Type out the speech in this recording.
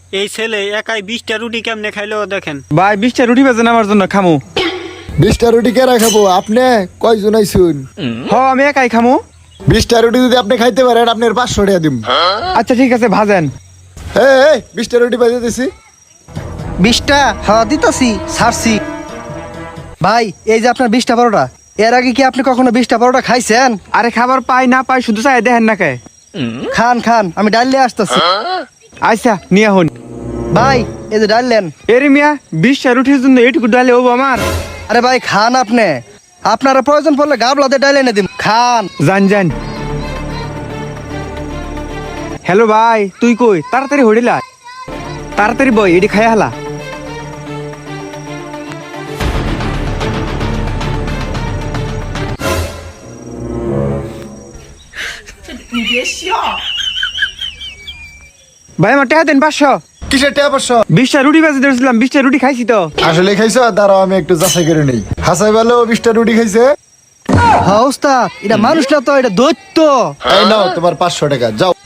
এই ছেলে একাই 20টা রুটি কেমনে খাইলো দেখেন। ভাই 20টা রুটি বেজেন আমার জন্য খামু। 20টা রুটি কে রাখাবো? আপনি কয়জন আইছুন? হ আমি একাই খামু। 20টা রুটি যদি আপনি খাইতে পারেন আপনার 500 টাকা দিম। আচ্ছা ঠিক আছে ভাজেন। এই 20টা রুটি বাজে দিছি। 20টা হ্যাঁ দিতেছি ছাড়ছি। ভাই এই যে আপনার 20টা পরোটা, এর আগে কি আপনি কখনো 20টা পরোটা খাইছেন? আরে খাবার পাই না পাই শুধু চাই দেখেন না কে। খান খান, আমি ডাল নিয়ে আসতেছি। আচ্ছা নিয়ে হন। ভাই এই যে ডাল নেন। এরে মিয়া 20টা রুটির জন্য এইটুকু ডালে হবো আমার? আরে ভাই খান, আপনি আপনারা প্রয়োজন পড়লে গাবলাতে ডাল এনে দিন, খান। জান জান। হ্যালো ভাই তুই কই? তাড়াতাড়ি হইলা, তাড়াতাড়ি বই এটি খাই হালা। ভাই আমার টাকা দেন 500। কিসের টাকা 500? 20টা রুটি বেজে দিয়েছিলাম, 20টা রুটি খাইছি তো। আসলে খাইছো? দাঁড়াও আমি একটু যাচাই করে নেই। হাসাই ভালো 20টা রুটি খাইছে। হ্যাঁ ওস্তাদ, এটা মানুষ না তো, এটা দৈত্য। এই নাও তোমার 500 টাকা, যাও।